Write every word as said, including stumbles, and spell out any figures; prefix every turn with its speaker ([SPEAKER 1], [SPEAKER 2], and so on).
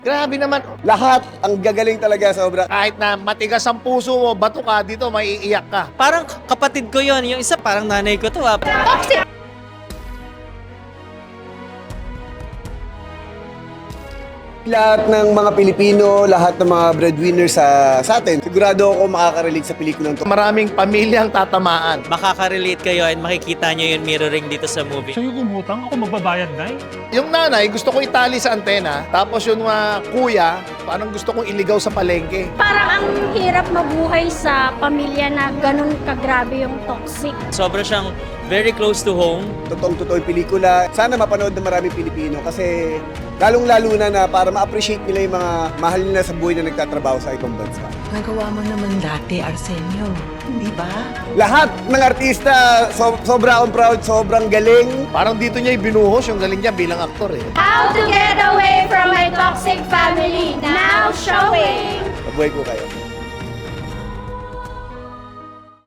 [SPEAKER 1] Grabe naman.
[SPEAKER 2] Lahat ang gagaling talaga sobra.
[SPEAKER 1] Kahit na matigas ang puso mo, bato ka dito, maiiyak ka.
[SPEAKER 3] Parang kapatid ko yon, yung isa parang nanay ko to ah.
[SPEAKER 2] Lahat ng mga Pilipino, lahat ng mga breadwinner sa, sa atin, sigurado ako makaka-relate sa pelikulang to.
[SPEAKER 1] Maraming pamilyang tatamaan.
[SPEAKER 3] Makaka-relate kayo and makikita nyo yung mirroring dito sa movie.
[SPEAKER 4] Sa'yo gumutang, ako magbabayad na eh.
[SPEAKER 1] Yung nanay, gusto ko itali sa antena. Tapos yung mga kuya, parang gusto kong iligaw sa palengke.
[SPEAKER 5] Parang ang hirap mabuhay sa pamilya na ganun kagrabe yung toxic.
[SPEAKER 3] Sobra siyang very close to home.
[SPEAKER 2] Totoong-totoo yung pelikula. Sana mapanood ng maraming Pilipino kasi lalong-lalo na na para ma-appreciate nila yung mga mahal nila sa buhay na nagtatrabaho sa ibang bansa.
[SPEAKER 6] Nagawa mo naman dati, Arsenio. Hindi ba?
[SPEAKER 2] Lahat ng artista, so, sobra akong proud, sobrang galing.
[SPEAKER 1] Parang dito niya ibinuhos yung galing niya bilang aktor eh.
[SPEAKER 5] How to get away from my toxic family, now showing!
[SPEAKER 2] Mabuhay ko kayo.